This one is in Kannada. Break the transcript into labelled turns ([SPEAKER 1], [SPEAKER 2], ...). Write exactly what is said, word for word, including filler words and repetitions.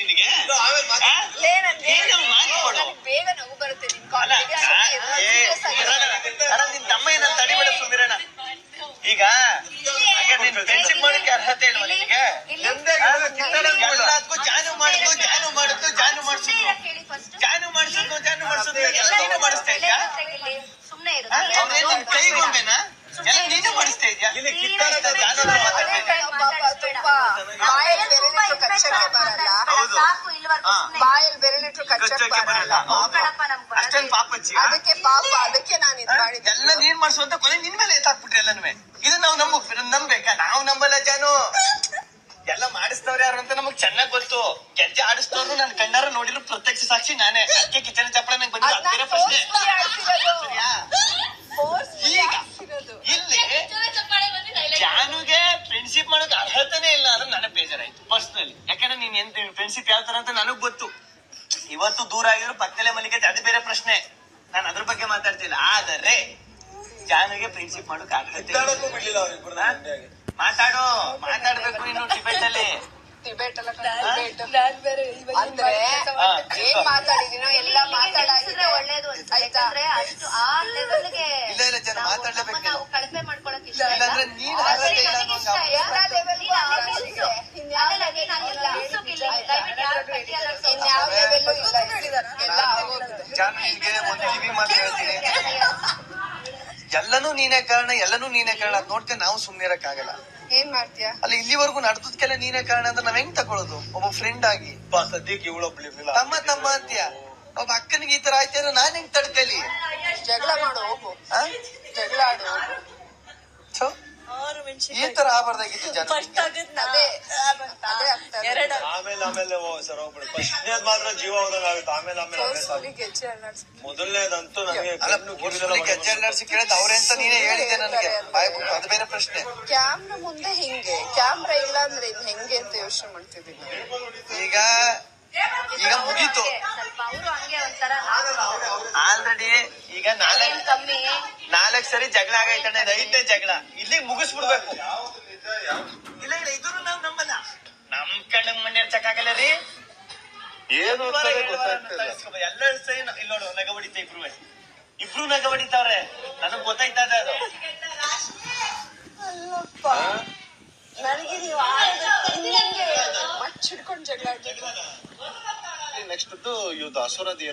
[SPEAKER 1] ನಿನಗೆ ಏನು ಮಾಡ್ಕೊಡು
[SPEAKER 2] ಬೇಗ ನಗು ಬರುತ್ತೆ.
[SPEAKER 1] ನಿನ್ ತಮ್ಮ ಏನಂತ ತಡಿಬೇಡ ಸುಮಿರಣ್ಣ. ಈಗ ನೀನ್ ಫ್ರೆಂಡ್ಶಿಪ್ ಮಾಡಕ್ಕೆ ಅರ್ಹತೆ ಇಲ್ವಾ ನಿನಗೆ? ಎಲ್ಲದಕ್ಕೂ ಜಾನು ಮಾಡುದು ಜಾನು ಮಾಡುದು ಜಾನು ಮಾಡಿಸುದು ಜಾನು ಮಾಡಿಸುದು ಜಾನು ಮಾಡಿಸುದು ಎಲ್ಲ ನೀನು ಮಾಡಿಸ್ತಾ ಇದ್ಯಾ?
[SPEAKER 2] ಸುಮ್ನೆ
[SPEAKER 1] ನಿನ್ ಕೈಗೊಂಬೇನಾ ಎಲ್ಲ ನೀನು ಮಾಡಿಸ್ತಾ ಇದ್ಯಾ?
[SPEAKER 2] ಬಾಯಲ್ಲಿ ಬೆರಳಿಟ್ರು ಕಚ್ಚಕ್ಕೆ ಬರಲ್ಲ.
[SPEAKER 1] ಅಷ್ಟೊಂದು ಪಾಪಚ್ಚಿ
[SPEAKER 2] ಅದಕ್ಕೆ ಪಾಪ, ಅದಕ್ಕೆ ನಾನು ಇದು ಮಾಡಿದ್ದೆ.
[SPEAKER 1] ಎಲ್ಲ ನೀನ್ ಮಾಡಿಸುವಂತ ಕೊನೆ ನಿನ್ ಮೇಲೆ ಎತ್ತಾಕ್ಬಿಟ್ರಿ ಎಲ್ಲನೂ. ಇದು ನಾವು ನಂಬ ನಂಬೇಕಾ? ನಾವು ನಂಬಲ್ಲ ಜಾನು. ಎಲ್ಲ ಮಾಡಿಸ್ತವ್ರು ಯಾರು ಅಂತ ನಮಗ್ ಚೆನ್ನಾಗ್ ಗೊತ್ತು. ಗೆಜ್ಜೆ ಆಡಿಸ್ತವ್ರು ನನ್ ಕಣ್ಣಾರ ನೋಡಿದ್ರು ಪ್ರತ್ಯಕ್ಷ ಸಾಕ್ಷಿ ನಾನೇ. ಅದಕ್ಕೆ ಕಿಚನ್ ಚಪ್ಪಳ ನಂಗೆ ಬಂದಿಲ್ಲ. ಅದ್ ಬೇರೆ ಪ್ರಶ್ನೆ. ಸರಿಯಾ? ಈಗ ಇಲ್ಲಿ ಜಾನುಗೆ ಫ್ರೆಂಡ್ಶಿಪ್ ಮಾಡೋಕೆ ಅರ್ಹತೆನೇ ಇಲ್ಲ ಅಂದ್ರೆ ನನಗ್ ಬೇಜಾರಾಯ್ತು ಪರ್ಸನಲಿ. ಯಾಕಂದ್ರೆ ನೀನ್ ಎಂತ ಫ್ರೆಂಡ್ಶಿಪ್ ಯಾವ ತರ ಅಂತ ನನಗ್ ಗೊತ್ತು. ಇವತ್ತು ದೂರ ಆಗಿದ್ರು ಪಕ್ಕದಲ್ಲೇ ಮಲ್ಲಿಗೆ ಅದು ಬೇರೆ ಪ್ರಶ್ನೆ. ನಾನು ಅದ್ರ ಬಗ್ಗೆ ಮಾತಾಡ್ತಿಲ್ಲ. ಆದರೆ ಜಾನುಗೆ ಫ್ರೆಂಡ್ಶಿಪ್ ಮಾಡೋಕೆ ಅರ್ಹತೆ ಮಾತಾಡೋ ಮಾತಾಡ್ಬೇಕು ಇನ್ನು ಡಿಬೇಟ್ ಅಲ್ಲಿ.
[SPEAKER 2] ಡಿಬೇಟ್ ಅಲ್ಲ, ಅಂದ್ರೆ ಏನ್ ಮಾತಾಡಿದೀನೋ ಎಲ್ಲ ಮಾತಾಡಿದ್ರೆ ಒಳ್ಳೇದು ಯಾಕಂದ್ರೆ ಅಷ್ಟು ಆ ಲೆವೆಲ್ಗೆ
[SPEAKER 1] ಇಲ್ಲ ಇಲ್ಲ ಜನ ಮಾತಾಡ್ಲೇಬೇಕು.
[SPEAKER 2] ನಾವು ಕಳಪೆ ಮಾಡ್ಕೊಳಕ್ ಇಷ್ಟ
[SPEAKER 1] ಇಲ್ಲಾಂದ್ರೆ ನೀನ್ ಅರ್ಹತೆ ಇಲ್ಲ
[SPEAKER 2] ಇನ್ಯಾವ ಲೆವೆಲ್ಲು ಇಲ್ಲ.
[SPEAKER 1] ಜಾನುಗೆ ಒಂದು ಕಿವಿ ಮಾತು ಹೇಳ್ತೀನಿ. ಎಲ್ಲನೂ ನೀನೇ ಕಾರಣ, ಎಲ್ಲನೂ ನೀನೇ ಕಾರಣ ಅದ್ ನೋಡ್ಕೊಂಡು ನಾವು ಸುಮ್ನೆ ಇರಕ್ ಆಗಲ್ಲ.
[SPEAKER 2] ಏನ್ ಮಾಡ್ತೀಯ?
[SPEAKER 1] ಅಲ್ಲ ಇಲ್ಲಿವರೆಗೂ ನಡ್ದದ್ಕೆಲ್ಲ ನೀನೇ ಕಾರಣ ಅಂದ್ರೆ ನಾವ್ ಹೆಂಗ್ ತಗೊಳ್ಳೋದು? ಒಬ್ಬ ಫ್ರೆಂಡ್ ಆಗಿ ಸದ್ಯಕ್ಕೆ ಇವಳೊಬ್ಳಿರ್ಲಿಲ್ಲ ತಮ್ಮ ತಮ್ಮ ಅಂತೀಯ. ಒಬ್ಬ ಅಕ್ಕನಿಗೆ ಈ ತರ ಆಯ್ತಾರ ನಾನ್ ಹೆಂಗ್ ತಡ್ಕಲಿ?
[SPEAKER 2] ಜಗಳ ಮಾಡು ಹೋಗು, ಜಗಳ ಆಡು ಹೋಗು.
[SPEAKER 1] ಈ ತರ ಆಗಬಾರ್ದಾಗಿತ್ತು ಜನ.
[SPEAKER 3] ಆಮೇಲೆ ಆಮೇಲೆ ಸರ್ ಹೋಗ್ಬಿಡು. ಫಸ್ಟ್ನೇದ್ ಮಾತ್ರ ಜೀವ ಹೋದಾಗ ಆಗುತ್ತೆ. ಆಮೇಲೆ ಆಮೇಲೆ ಮೊದಲನೇದಂತೂ ನನಗೆ
[SPEAKER 1] ಗೆಜ್ಜೆ ಅಲ್ಲಾಡ್ಸಿ ಕೇಳಿದ್ ಅವ್ರೆ ಅಂತ ನೀನೇ ಹೇಳಿದ್ದೆ ನನಗೆ. ಅದು ಬೇರೆ ಪ್ರಶ್ನೆ.
[SPEAKER 2] ಕ್ಯಾಮ್ರಾ ಮುಂದೆ ಹಿಂಗೆ, ಕ್ಯಾಮ್ರಾ ಇಲ್ಲ ಅಂದ್ರೆ ಇನ್ ಹೆಂಗೆ ಅಂತ ಯೋಚನೆ ಮಾಡ್ತಿದ್ದೀನಿ.
[SPEAKER 1] ಈಗ ಈಗ ಮುಗೀತು ಆಲ್ರೆಡಿ. ಈಗ ನಾಲ್ಕು
[SPEAKER 2] ಕಮ್ಮಿ
[SPEAKER 1] ನಾಲ್ಕು ಸರಿ ಜಗಳ ಆಗೈತಣ್ಣ. ಇದು ಐದನೇ ಜಗಳ. ಇಲ್ಲಿ ಮುಗಿಸ್ಬಿಡ್ಬೇಕು. ಇಲ್ಲ ಇಲ್ಲ ಇದನ್ನು ನಾವ್ ನಂಬಲ್ಲ. ನಮ್ ಕಣ್ಣಿಗೆ ಮಣ್ಣು ಎರ್ಚಕ್ಕಾಗಲ್ಲ ರೀ. ಏನು ಎಲ್ಲ ಸರಿ ಇಲ್ಲಿ ನೋಡು ನಗ ಹೊಡಿತ ಇಬ್ರು ಇಬ್ರು ನಗ ಹೊಡಿತಾವ್ರೆ. ನನಗ್ ಗೊತ್ತಾಯ್ತದ ಅದು.
[SPEAKER 2] ಅಲ್ಲಪ್ಪ ನನಗೆ ನೀವು ಮಚ್ಚಿಡ್ಕೊಂಡು ಜಗಳ ಆಡ್ಬೇಕು.
[SPEAKER 3] ನೆಕ್ಸ್ಟ್ ಇವತ್ತು ಅಸುರದಿ